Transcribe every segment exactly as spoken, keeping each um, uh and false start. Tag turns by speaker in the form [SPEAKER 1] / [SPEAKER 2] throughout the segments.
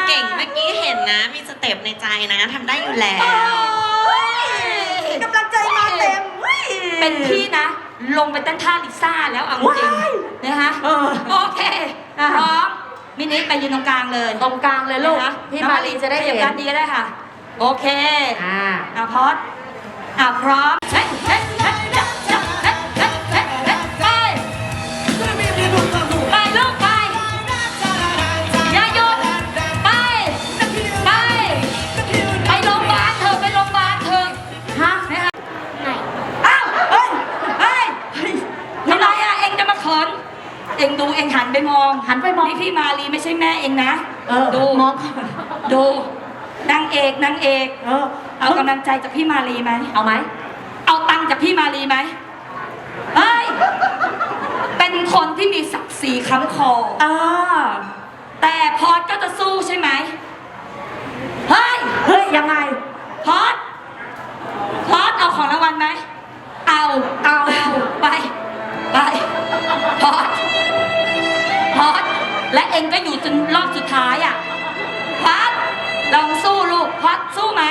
[SPEAKER 1] เก่งเมื่อกี้เห็นนะ มีสเต็ปในใจนะทำได้อยู่แล้ว
[SPEAKER 2] กำลังใจมาเต็ม
[SPEAKER 3] เป็นพี่นะลงไปเต้นท่าลิซ่าแล้วเอาจริงนะคะโอเคพร้อมมินิไปยืนตรงกลางเลย
[SPEAKER 2] ตรงกลางเลยลูกพี่มารีจะได้เห็น
[SPEAKER 3] ด้านนี้ก็ได้ค่ะโอเค
[SPEAKER 2] อ่า
[SPEAKER 3] อ่ะพอดอ่ะพร้อมเฮ้ยเฮ้ยเฮ้ยจับจับเฮ้ยเฮ้ยเฮ้ยเฮ้ยไปไปลูกไปอย่าหยุดไปไปไปโรงพยาบาลเถอะไปโรงพยาบาลเถอะ
[SPEAKER 2] ฮะ
[SPEAKER 3] นะคะอ้าวเฮ้ยเฮ้ยทำไมอ่ะเอ็งจะมาเขินเอ็งดูเอ็งหันไปมอง
[SPEAKER 2] หันไปมอง
[SPEAKER 3] นี่พี่มาลีไม่ใช่แม่เอ็งนะ
[SPEAKER 2] เออ
[SPEAKER 3] ดู
[SPEAKER 2] มอง
[SPEAKER 3] ดูนางเอกนางเอก
[SPEAKER 2] เออ
[SPEAKER 3] เอากำลังใจจากพี่มาลีไหม
[SPEAKER 2] เอาไหม
[SPEAKER 3] เอาตังค์จากพี่มาลีไหมเฮ้ย เป็นคนที่มีศักดิ์ศรีค้ำคอ
[SPEAKER 2] เออ
[SPEAKER 3] แต่พอดก็จะสู้ใช่ไหมเฮ้ย
[SPEAKER 2] เฮ้ยยังไง
[SPEAKER 3] พอดพอดเอาของรางวัลไหม เอา
[SPEAKER 2] เอา
[SPEAKER 3] เอาไป ไป พอดพอดและเองก็อยู่จนรอบสุดท้ายอ่ะพอดลองสู้ลูกพอดสู้ไหม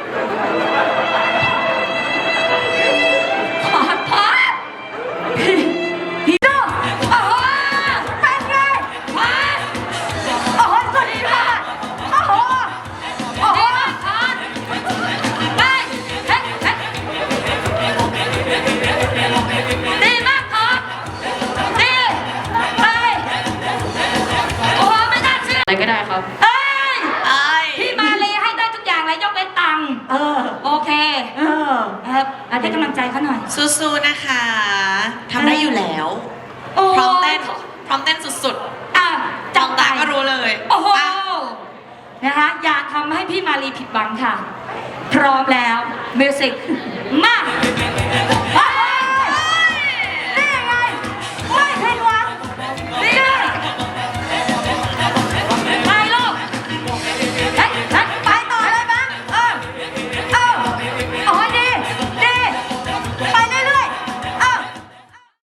[SPEAKER 3] พอดพอดพี่น้องโอ้โหเป็นไงพอดโอ้โหสุดยอดโอ้โหโอ้โหพอดไปเฮ้ยเฮ้ยดีมากพอดดีไปโอ้โหไม่น่าเชื่อ
[SPEAKER 1] อะไรก็ได้ครับ
[SPEAKER 3] เอ้ย
[SPEAKER 1] ไอ้
[SPEAKER 3] พี่มาเลยให้ได้ทุกอย่างเลยยกเว้นตังค์
[SPEAKER 2] เออ
[SPEAKER 3] โอเค
[SPEAKER 2] เออ
[SPEAKER 3] ครับให้กำลังใจเขาหน่อย
[SPEAKER 1] สู้ๆนะคะทำได้อยู่แล้ว
[SPEAKER 3] โอ้
[SPEAKER 1] พร้อมเต้นพร้อมเต้นสุด
[SPEAKER 3] อ่ะ
[SPEAKER 1] ๆ
[SPEAKER 3] จั
[SPEAKER 1] จั
[SPEAKER 3] บบ ไป
[SPEAKER 1] ตาก็รู้เลย
[SPEAKER 3] โอ้โห
[SPEAKER 1] อ่ะ
[SPEAKER 3] นะคะอย่าทำให้พี่มาลีผิดหวังค่ะ พร้อมแล้วมิวสิกมา